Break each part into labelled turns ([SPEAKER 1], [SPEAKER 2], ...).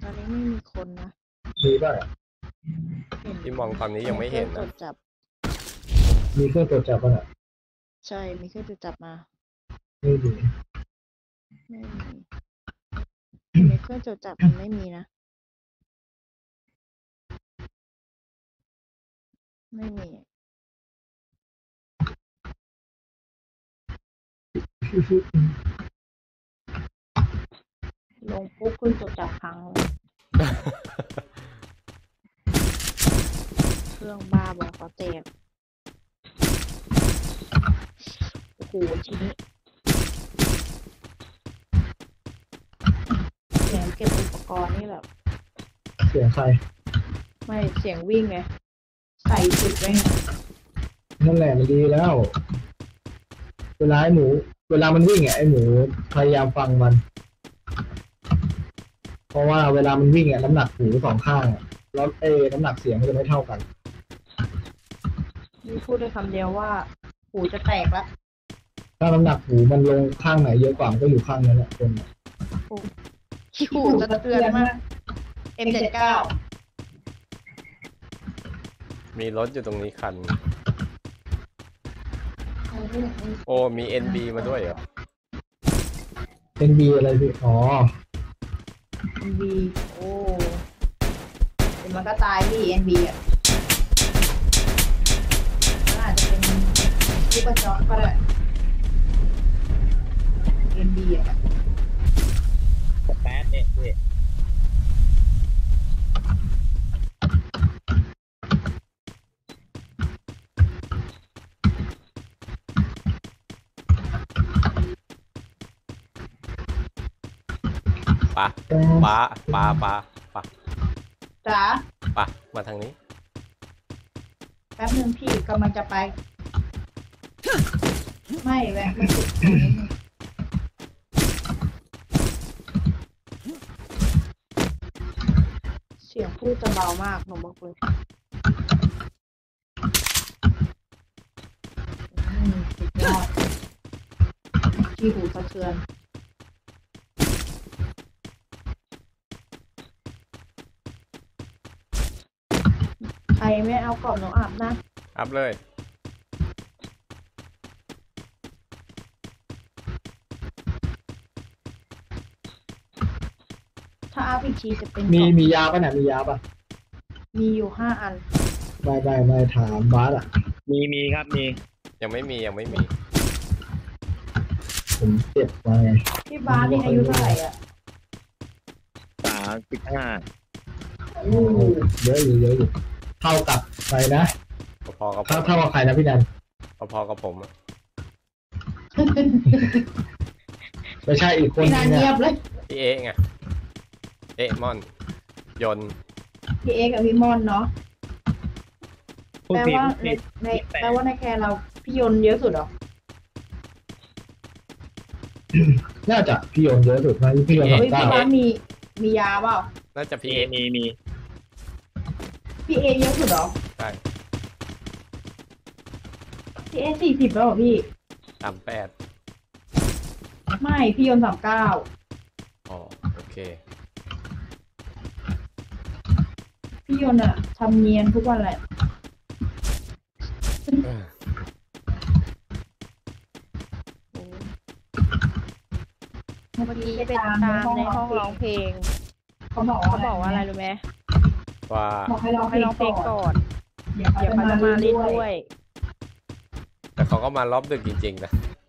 [SPEAKER 1] อนนี้ไม่มีคนนะ
[SPEAKER 2] มีป่ะ
[SPEAKER 3] ที่มองตอนนี้ยังไม่เห็น
[SPEAKER 1] ตร
[SPEAKER 3] นะ
[SPEAKER 1] วจจับ
[SPEAKER 2] มีเครื่องตรวจจับป่ะน่ะ
[SPEAKER 1] ใช่มีเครื่องตรวจจับมา
[SPEAKER 2] ไม่มี
[SPEAKER 1] ไม่มีในเครื่องตรวจจับมันไม่มีนะไม่มีลงปุ๊บเครื่องตรวจจับพังเลยเครื่องบ้าบอเขาแตกโอ้โหทีนี้เสียงเก็บอุปกรณ์นี่แบบ
[SPEAKER 2] เสียงใคร
[SPEAKER 1] ไม่เสียงวิ่งไงใส่จุดไว้ไง
[SPEAKER 2] นั่นแหละมันดีแล้ว เวลามันวิ่งไอ้หมูพยายามฟังมัน เพราะว่าเวลามันวิ่งน้ำหนักหูสองข้างแล้วน้ำหนักเสียงมันจะไม่เท่ากัน
[SPEAKER 1] นี่พูดได้คำเดียวว่าหูจะแตกละ
[SPEAKER 2] ถ้าน้ำหนักหูมันลงข้างไหนเยอะกว่ามันก็อยู่ข้างนั้นแหละคน
[SPEAKER 1] ขี้หูจะเตือนมาก M79
[SPEAKER 3] มีรถอยู่ตรงนี้คัน โอ้มี NB มาด้วยเหรอ
[SPEAKER 2] เป็นบีอะไรพี่อ๋อ
[SPEAKER 1] NB โอ้เดี๋ยวมันก็ตายพี่ NB อ่ะมันอาจจะเป็นลูกกระจอกก็ได้ NB อ่ะ
[SPEAKER 4] แป๊ดเนี่ยพี่
[SPEAKER 3] ปะ
[SPEAKER 1] จ๋า
[SPEAKER 3] มาทางนี้
[SPEAKER 1] แป๊บนึงพี่กำลังจะไป ไม่แวะมาจุดตรงนี้เสียงพูดจะเบามากหนูบอกเลยสุดยอดที่หูสะเทือนใครไม่เอากรอบหนูอาบนะ
[SPEAKER 3] อัพเลย
[SPEAKER 1] ถ้าอาบอีกทีจะเป็น
[SPEAKER 2] มียาป่ะเนี่ยมียาป่ะ
[SPEAKER 1] มีอยู่5 อัน
[SPEAKER 2] ไม่ถามบาสอ่ะ
[SPEAKER 4] มีครับมี
[SPEAKER 3] ยังไม่มี
[SPEAKER 2] ผมเจ็บมาไง
[SPEAKER 1] พี่บาสนี่อายุเท่าไหร่อ่ะ
[SPEAKER 4] 35
[SPEAKER 2] เยอะอยู่เท่ากับใครนะ
[SPEAKER 3] พอๆกับ
[SPEAKER 2] เท่ากับใครนะพี่นัน
[SPEAKER 3] พอๆกับผมอะ
[SPEAKER 2] ไม่ใช่อีกคน
[SPEAKER 1] พี่
[SPEAKER 2] นึ
[SPEAKER 1] นาง
[SPEAKER 2] ง
[SPEAKER 1] เงี
[SPEAKER 2] เนี่ย
[SPEAKER 1] ยบเลย
[SPEAKER 3] พี่เอ๊ะไงเอ๊ะมอนยนต์
[SPEAKER 1] พี่เอกับพี่มอนเนาะ
[SPEAKER 4] พูด
[SPEAKER 1] แปล
[SPEAKER 4] ผิด
[SPEAKER 1] ว่า
[SPEAKER 4] พูดผิด
[SPEAKER 1] แปลว่าในแคร์เราพี่ยนต์เยอะสุดเหรอ
[SPEAKER 2] น่าจะพี่โยนเยอะสุดนะพี่โยน
[SPEAKER 1] เฮ้ย
[SPEAKER 2] 29
[SPEAKER 1] พี่บาสมียาเปล่า
[SPEAKER 3] น่าจะพี่
[SPEAKER 4] มี
[SPEAKER 3] เอ๊ะ
[SPEAKER 1] พี่เอเยอะสุดเหรอ
[SPEAKER 3] ใช่
[SPEAKER 1] พี่เอ40แล้วเหรอพี่
[SPEAKER 3] 38
[SPEAKER 1] ไม่พี่ยนต์39
[SPEAKER 3] อ๋อโอเค
[SPEAKER 1] พี่ยนต์อะทำเนียนทุกวันแหละเมื่อกี้ไปตามในห้องร้องเพลงเขาบอกว่าอะไรรู้ไหม
[SPEAKER 3] ว่า
[SPEAKER 1] บอกให้ร้องเพลงก่อนเดี๋ยวเขาจะมาเล่นด้วย
[SPEAKER 3] แต่เขาก็มารอบดึกจริงๆนะ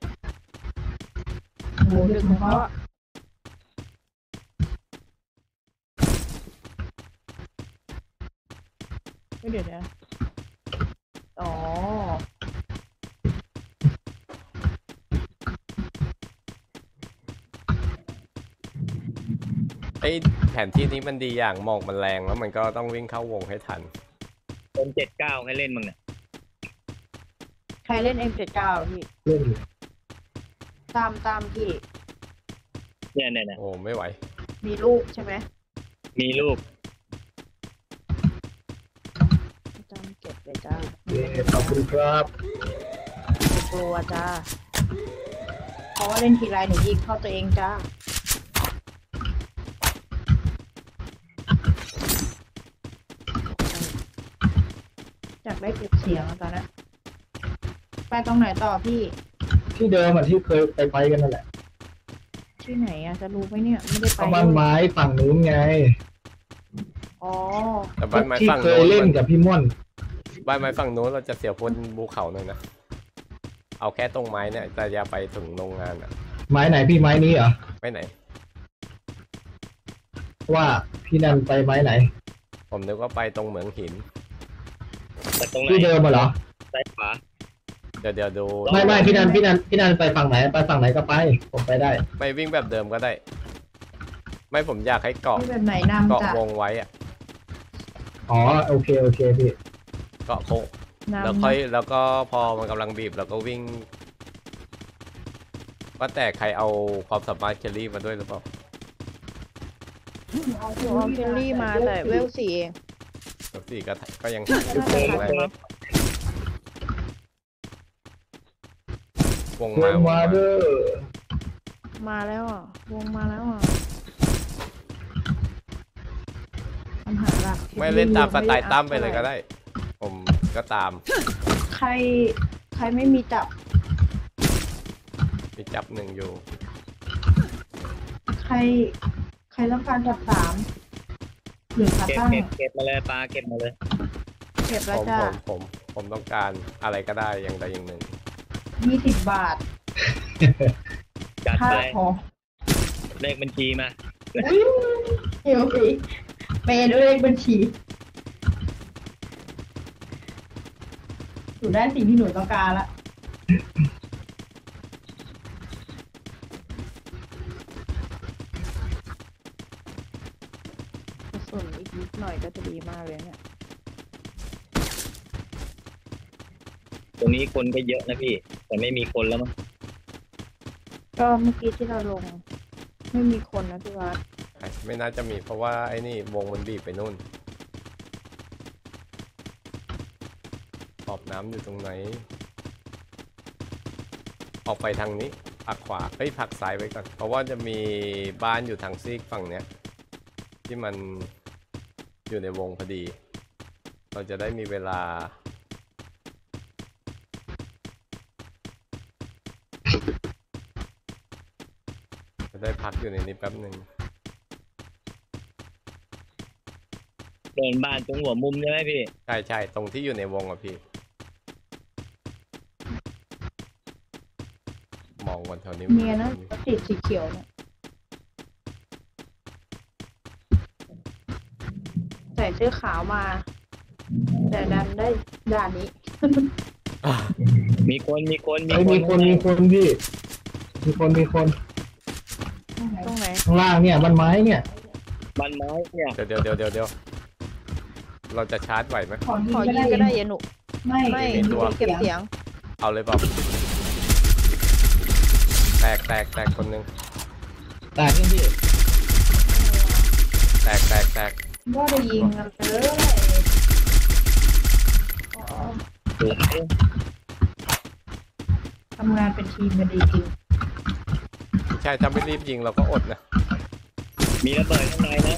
[SPEAKER 1] โหดึกของเขาอะไม่เดี๋ยวนะอ๋อ
[SPEAKER 3] ไอแผนที่นี้มันดีอย่างหมอกมันแรงแล้วมันก็ต้องวิ่งเข้าวงให้ทัน
[SPEAKER 4] เป็น79ให้เล่นมึงเนี่ย
[SPEAKER 1] ใครเล่น M79 พี่
[SPEAKER 2] เล่นอยู่
[SPEAKER 1] ตามพี่
[SPEAKER 4] เนี่ย
[SPEAKER 3] โอ้ไม่ไหว
[SPEAKER 1] มีลูกใช่ไหม
[SPEAKER 4] มีลูก
[SPEAKER 1] จำเก็บเลยจ้า
[SPEAKER 2] ขอบคุณครับ
[SPEAKER 1] ไม่กลัวจ้าเพราะว่าเล่นทีไรหนูยิงเข้าตัวเองจ้าได้เก็บเสียงตอนนั้นไปตรงไหนต่อพี่
[SPEAKER 2] ที่เดิมอ่ะที่เคยไปกันนั่นแหละ
[SPEAKER 1] ที่ไหนอะจะรู้ไหมเนี่ยไม่ได้ไป
[SPEAKER 2] ก็บ้านไม้ฝั่งนู้นไง
[SPEAKER 1] อ๋อ
[SPEAKER 3] แต่บ้านไม้
[SPEAKER 2] ที่
[SPEAKER 3] ฝั่ง
[SPEAKER 2] เค
[SPEAKER 3] โน้
[SPEAKER 2] ย
[SPEAKER 3] น
[SPEAKER 2] เล่นกับพี่ม่อน
[SPEAKER 3] บ้านไม้ฝั่งโน้นเราจะเสียพ้นภูเขาหน่อยนะเอาแค่ตรงไม้เนี่ยแต่อย่าไปถึงโรงงานอ่ะ
[SPEAKER 2] ไม้ไหนพี่ไม้นี้เหรอ
[SPEAKER 3] ไม่ไหน
[SPEAKER 2] ว่าพี่นันไปไม้ไหน
[SPEAKER 3] ผมนึกว่าไปตรงเหมืองหิน
[SPEAKER 4] แต่ตรงไหน
[SPEAKER 2] ที่เดิมอะเหรอ
[SPEAKER 4] ซ้ายขวา
[SPEAKER 3] เดี๋ยวดู
[SPEAKER 2] ไม่พี่นันไปฝั่งไหนไปฝั่งไหนก็ไปผมไปได้
[SPEAKER 3] ไม่วิ่งแบบเดิมก็ได้ ไม่ผมอยากให้เกาะ
[SPEAKER 1] ที่แบบไหนนำ
[SPEAKER 3] เกาะ
[SPEAKER 1] จ้ะ
[SPEAKER 3] วงไว้อะ
[SPEAKER 2] อ๋อโอเคพี่
[SPEAKER 3] เกาะโค้ง
[SPEAKER 1] นำ
[SPEAKER 3] แล้วค่อยแล้วก็พอมันกำลังบีบแล้วก็วิ่งว่าแต่ใครเอาความสามารถเคลลี่มาด้วยหรือเปล่า
[SPEAKER 1] หนูเอาเคลลี่มาแต่เวล4เอง
[SPEAKER 3] แล้วสี่ก็ยัง
[SPEAKER 1] ก็น่าจะทันมั้ง
[SPEAKER 3] วง
[SPEAKER 2] เดิ
[SPEAKER 3] มาน
[SPEAKER 2] มาเด้อ
[SPEAKER 1] มาแล้วอ่ะวงมาแล้วอ่ะปัญหาหลัก
[SPEAKER 3] ไม่เล่นตามสไตล์ตั้มไปเลยก็ได้ ผมก็ตาม
[SPEAKER 1] ใครไม่มีจับ
[SPEAKER 3] มีจับหนึ่งอยู่
[SPEAKER 1] ใครต้องการจับ3หรือขา
[SPEAKER 4] เก็บ
[SPEAKER 1] ตั้ง
[SPEAKER 4] เก็บมาเลยปลาเก็บมาเลย
[SPEAKER 1] เก็บ
[SPEAKER 3] ผ
[SPEAKER 1] แล้ว
[SPEAKER 3] ม
[SPEAKER 1] จ้ะ
[SPEAKER 3] ผมต้องการอะไรก็ได้อย่างใดอย่างหนึ่ง
[SPEAKER 1] 20 บาท
[SPEAKER 4] จัด
[SPEAKER 1] ค่า
[SPEAKER 4] ไป
[SPEAKER 1] ของ
[SPEAKER 4] เลขบัญชีมา
[SPEAKER 1] เดี๋ยวสิเปย์ด้วยเลขบัญชีหนูได้สิ่งที่หนูต้องการละส่วนอีกนิดหน่อยก็จะดีมากเลยเนี่ย
[SPEAKER 4] ตรงนี้คนก็เยอะนะพี่ แต่ไม่มีคนแล้วมั้ง
[SPEAKER 1] ก็เมื่อกี้ที่เราลง ไม่มีคนนะพี่วัด
[SPEAKER 3] ไม่น่าจะมีเพราะว่าไอ้นี่วงมันบีบไปนู่นขอบน้ำอยู่ตรงไหน ออกไปทางนี้ผักขวาผักซ้ายไว้ก่อนเพราะว่าจะมีบ้านอยู่ทางซีกฝั่งเนี้ยที่มันอยู่ในวงพอดี เราจะได้มีเวลาจะได้พักอยู่ในนี้แป๊บหนึ่ง
[SPEAKER 4] เดินบ้านตรงหัวมุมใช่ไหมพี่
[SPEAKER 3] ใช่ตรงที่อยู่ในวงอ่ะพี่ มองวันแถวนี้
[SPEAKER 1] เนียนะติดสีเขียวเนี่ยใส่เสื้อขาวมา แต่ดันได้ด่านนี้
[SPEAKER 4] มีคน
[SPEAKER 2] มีคนพี่มีคน
[SPEAKER 1] ตรงไหน
[SPEAKER 2] ข้างล่างเนี่ยบ้านไม้เนี่ย
[SPEAKER 4] บ้านไม้เนี่ย
[SPEAKER 3] เดี๋ยวเราจะชาร์จไหวไหม
[SPEAKER 1] ขอยิงก็ได้ยาหนุไม่
[SPEAKER 3] มีตัว
[SPEAKER 1] เก็บเสียง
[SPEAKER 3] เอาเลยเปล่าแตกคนหนึง
[SPEAKER 2] แตกยังพี่
[SPEAKER 3] แตก
[SPEAKER 1] ก็ได้ยิงกันเลย
[SPEAKER 4] สวย
[SPEAKER 1] ทำงานเป็นทีมกันดีจริง
[SPEAKER 3] ใช่ถ้าไม่รีบยิงเราก็อดนะ
[SPEAKER 4] มีระเบิดข้างในนะ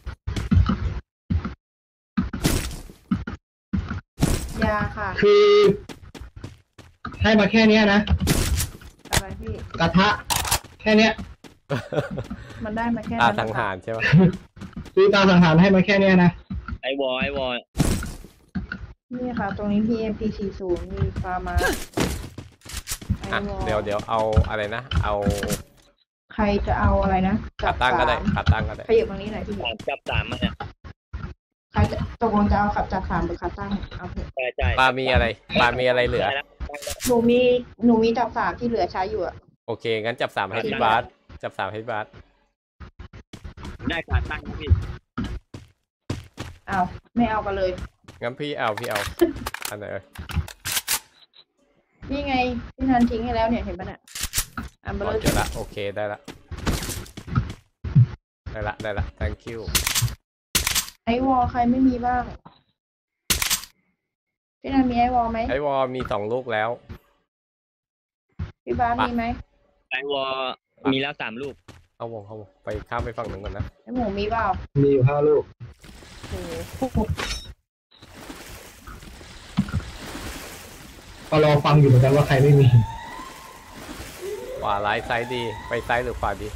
[SPEAKER 1] ยาค่ะ
[SPEAKER 2] คือให้มาแค่เนี้ยนะ
[SPEAKER 1] อะไรพี่
[SPEAKER 2] กระทะแค่เนี้ย
[SPEAKER 1] มันได้มาแค่
[SPEAKER 3] ตา
[SPEAKER 1] นั้น
[SPEAKER 3] สังหารใช่ไหม
[SPEAKER 2] คือตาสังหารให้มาแค่เนี้ยนะ
[SPEAKER 4] ไอวอล
[SPEAKER 1] นี่ค่ะ ตรงนี้ PMP40 มีฟาร์มา
[SPEAKER 3] อ่ะเดี๋ยวเอาอะไรนะ เอา
[SPEAKER 1] ใครจะเอาอะไรนะ
[SPEAKER 3] ขาตั้งก็ได้
[SPEAKER 1] สาม
[SPEAKER 3] ขาตั้งก็ได้
[SPEAKER 1] ขยับตรงนี้หน่อยพี่
[SPEAKER 4] จับสามมาเนี่ย
[SPEAKER 1] ใครจะตกลงจะเอาขับจาก3หรือขาตั้งเอาเถอะ
[SPEAKER 4] ใช่
[SPEAKER 3] ปลามีอะไรเหลือ
[SPEAKER 4] ได้แล้ว
[SPEAKER 1] หนูมีจาก3ที่เหลือใช้อยู่อะ
[SPEAKER 3] โอเคงั้นจับ3ให้พี่บาสจับ3ให้พี่บาส
[SPEAKER 4] ได้ขาตั้งนะพี่
[SPEAKER 1] เอาไม่เอากันเลย
[SPEAKER 3] งั้นพี่เอาอันไหนเอ่ย
[SPEAKER 1] นี่ไงพี่นันทิ้งให้แล้วเนี่ยเห็นปะเนี่ยอันเบล
[SPEAKER 3] อ๋อ
[SPEAKER 1] อ
[SPEAKER 3] เจอละโอเคได้ละ thank you
[SPEAKER 1] ไอวอลใครไม่มีบ้าง พี่นันมีไอวอลไหม
[SPEAKER 3] ไอวอลมี2 ลูกแล้ว
[SPEAKER 1] พี่บ้านมีไหม
[SPEAKER 4] ไอวอลมีแล้ว3 ลูก
[SPEAKER 3] เข้าวงไปข้ามไปฝั่งหนึ่งก่อนนะ
[SPEAKER 1] ไอหมูมีเปล่า
[SPEAKER 2] มีอยู่5 ลูก
[SPEAKER 1] โอ้โห
[SPEAKER 2] ก็รอฟังอยู่เหมือนกันว่าใครไม่มี
[SPEAKER 3] ขวาร้ายซ้ายดีไปซ้ายหรือขวาดี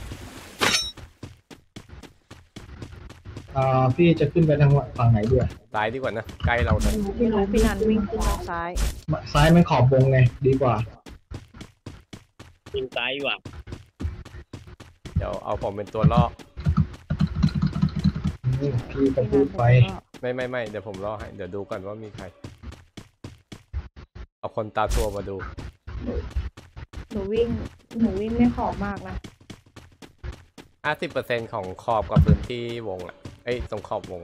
[SPEAKER 2] พี่จะขึ้นไปทางฝั่งไหนดีอะ
[SPEAKER 3] ซ้ายดีกว่านะใกล้เราเลย
[SPEAKER 1] ไม่รู้พี่นันวิ่งขึ้นทางซ้าย
[SPEAKER 2] ซ้ายมันขอบวงไงดีกว่า
[SPEAKER 4] ขึ้นซ้ายดีกว่า
[SPEAKER 3] เดี๋ยวเอาผมเป็นตัวล่อ
[SPEAKER 2] พี่ก็พูดไป
[SPEAKER 3] ไม่เดี๋ยวผมล่อให้เดี๋ยวดูก่อนว่ามีใครเอาคนตาตัวมาดู
[SPEAKER 1] หนูวิ่งไม่ขอบมากนะ
[SPEAKER 3] 50%ของขอบกับพื้นที่วงอ่ะเอ้ยตรงขอบวง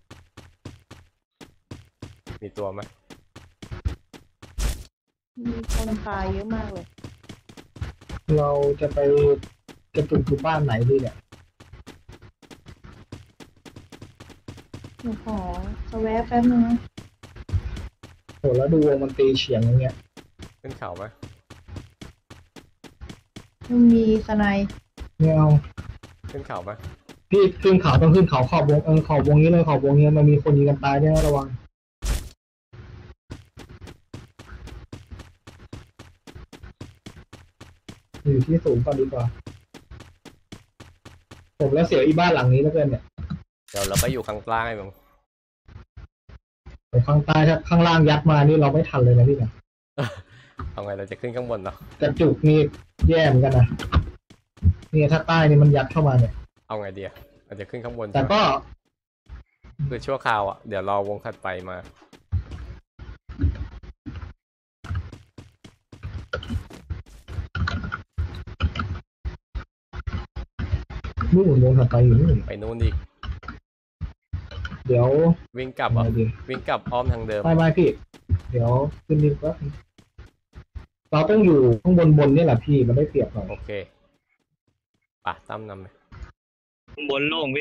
[SPEAKER 3] มีตัวไหม
[SPEAKER 1] มีคนตายเยอะมากเลย
[SPEAKER 2] เราจะไปกระตุกอยู่บ้านไหนดีเนี่ย
[SPEAKER 1] หนูขอสแวะแป๊บนึงนะ
[SPEAKER 2] โหแล้วดูวงมันตีเฉียงอย่างเงี้ย
[SPEAKER 3] ขึ้นเขาไหม
[SPEAKER 1] มันมีสไนด์
[SPEAKER 2] ไม่เอา
[SPEAKER 3] ขึ้นเขาไหม
[SPEAKER 2] พี่ขึ้นเขาต้องขึ้นเขาขอบวงขอบวงนี้เลยขอบวงนี้มันมีคนยิงกันตายด้วยนะระวังอยู่ที่สูงก่อนดีกว่า ผมแล้วเสียวอีบ้านหลังนี้แล้วเกินเนี่ย
[SPEAKER 3] เดี๋ยวเราไปอยู่ข้างล่างไอ้มึง
[SPEAKER 2] แต่ข้างใต้ถ้าข้างล่างยัดมานี่เราไม่ทันเลยนะพี่นะ
[SPEAKER 3] เอาไงเราจะขึ้นข้างบนเหรอก
[SPEAKER 2] ระจุกนี่แย่เหมือนกันนะเนี่ยถ้าใต้นี่มันยัดเข้ามาเนี่ย
[SPEAKER 3] เอาไงดีอะเราจะขึ้นข้างบน
[SPEAKER 2] แต่
[SPEAKER 3] ใช่ไหม
[SPEAKER 2] ก็
[SPEAKER 3] คือชั่วคราวอ่ะเดี๋ยวรอวงถัดไปมา
[SPEAKER 2] นู่นวงถัดไปอยู่นู่น
[SPEAKER 3] ไปนู่นอีก
[SPEAKER 2] เดี๋ยว
[SPEAKER 3] วิ่งกลับเหร
[SPEAKER 2] อะ
[SPEAKER 3] อ่ะ
[SPEAKER 2] ไรดี
[SPEAKER 3] วิ่งกลับอ้อมทางเดิม
[SPEAKER 2] ไม่พี่ เดี๋ยวขึ้นดินแป๊บนึงเราต้องอยู่ข้างบนเนี่ยแหละพี่มันได้เปรียบหน่อย
[SPEAKER 3] โอเคป่ะตั้มนำไป
[SPEAKER 4] ข้างบนโล่งพี่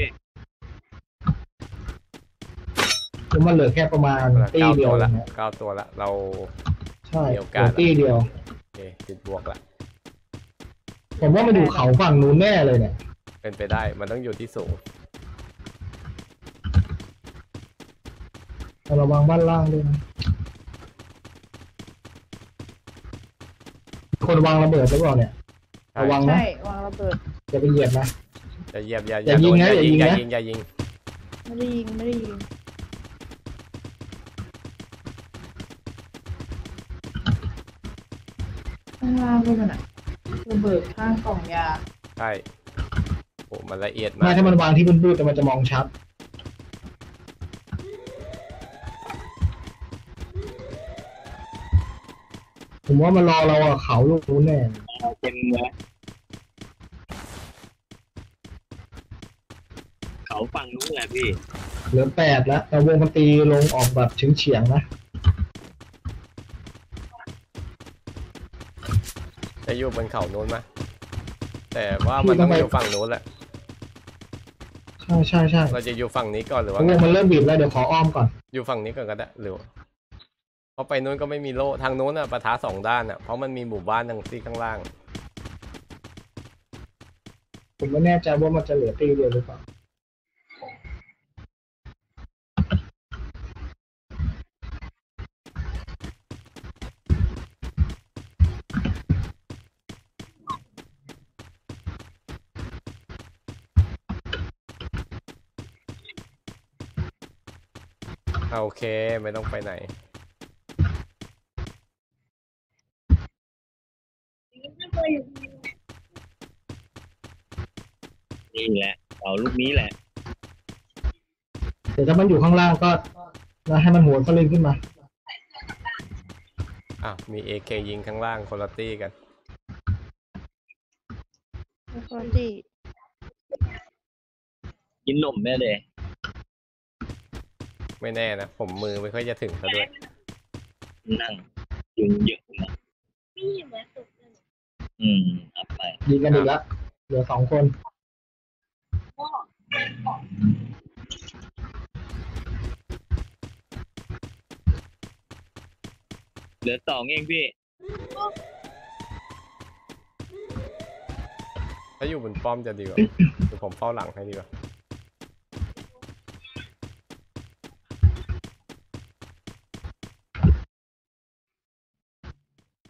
[SPEAKER 2] เพราะมันเหลือแค่ประมาณตี
[SPEAKER 3] 9
[SPEAKER 2] เดีย
[SPEAKER 3] ตัว วละ
[SPEAKER 2] นะ
[SPEAKER 3] 9 ตัวละเรา
[SPEAKER 2] ใช่
[SPEAKER 3] มีโอกาส
[SPEAKER 2] ตีเดียว
[SPEAKER 3] โอเคติดบวกละ
[SPEAKER 2] ผมว่ามันอยู่เขาฝั่งนู้นแน่เลยเนี่ย
[SPEAKER 3] เป็นไปได้มันต้องอยู่ที่สูง
[SPEAKER 2] ระวังบ้านล่างด้วยนะคนวางระเบิดหรือเปล่าเนี่ย
[SPEAKER 3] ใช่
[SPEAKER 2] ระวังนะ
[SPEAKER 1] ใช่วางระเบิด
[SPEAKER 2] จะไปเหยียบนะ
[SPEAKER 3] จะเหยียบอย่า
[SPEAKER 2] อย่ายิง
[SPEAKER 3] โด
[SPEAKER 2] นะ
[SPEAKER 3] อย่ายิง
[SPEAKER 2] อย่า
[SPEAKER 3] อย่า
[SPEAKER 2] ยิ
[SPEAKER 3] ยิ
[SPEAKER 2] ง
[SPEAKER 3] ง
[SPEAKER 2] นะ
[SPEAKER 3] อย่ายิง
[SPEAKER 1] ไม่ได้ยิงข้างล่างด้วยมันอะระเบิดข้างกล่องยา
[SPEAKER 3] ใช่โอ้มันละเอียด
[SPEAKER 2] ไม่
[SPEAKER 3] มาก
[SPEAKER 2] ถ้ามันวางที่พื้นๆแต่มันจะมองชัด ผมว่ามันรอเราอะเขาลูกนู้นแน่
[SPEAKER 4] เต็มเลยเขาฝั่งนู้นแหละพี่
[SPEAKER 2] เหลือ8แล้วแต่วงมันตีลงออกแบบเฉียงๆนะ
[SPEAKER 3] จะอยู่บนเขาโน้นไหมแต่ว่ามันต้องอยู่ฝั่งโน้นแหละ
[SPEAKER 2] ใช่
[SPEAKER 3] เราจะอยู่ฝั่งนี้ก่อนหรือ
[SPEAKER 2] ว
[SPEAKER 3] ว่าง ไง
[SPEAKER 2] มันเริ่มบีบแล้วเดี๋ยวขออ้อมก่อน
[SPEAKER 3] อยู่ฝั่งนี้ก่อนก็ได้หรือเพราะไปโน้นก็ไม่มีโล่ทางโน้นอ่ะปะทะ2 ด้านอ่ะเพราะมันมีหมู่บ้านทางที่ข้างล่าง
[SPEAKER 2] ผมไม่แน่ใจว่ามันจะเหลือตีเดียวหรือเปล่า
[SPEAKER 3] โอเคไม่ต้องไปไหน
[SPEAKER 4] นี่แหละเขาลูกนี้แหละ
[SPEAKER 2] เดี๋ยวถ้ามันอยู่ข้างล่างก็ให้มันหัวสลิงขึ้นมา
[SPEAKER 3] อ่ะมี AK ยิงข้างล่างคนละตี้กัน
[SPEAKER 1] แล้วก็ที่
[SPEAKER 4] กินนมแม่เดย
[SPEAKER 3] ไม่แน่นะผมมือไม่ค่อยจะถึงซะด้วย
[SPEAKER 4] นั่งยุงเยอะนะเอาไป
[SPEAKER 2] ยิงกันอีกแล้วเหลือ2 คน
[SPEAKER 4] เหลือ2เองพี่
[SPEAKER 3] ถ้าอยู่บนป้อมจะดีกว่า เดี๋ยวผมเฝ้าหลังให้ดีกว่า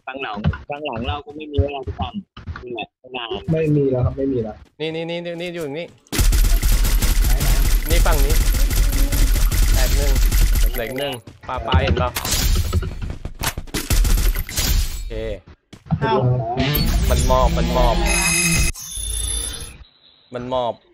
[SPEAKER 4] ข้างหลังเราก็ไม่มีเวลาที่ทำนี่แหละนาน
[SPEAKER 2] ไม่มีแล้วครับไม่มีแล้ว
[SPEAKER 3] นี่อยู่อย่างนี้นี่ฝั่งนี้แตกหนึ่งเหล็กหนึ่งปลาเห็นเปล่าโอเค
[SPEAKER 1] เอ้า
[SPEAKER 3] มันมอบ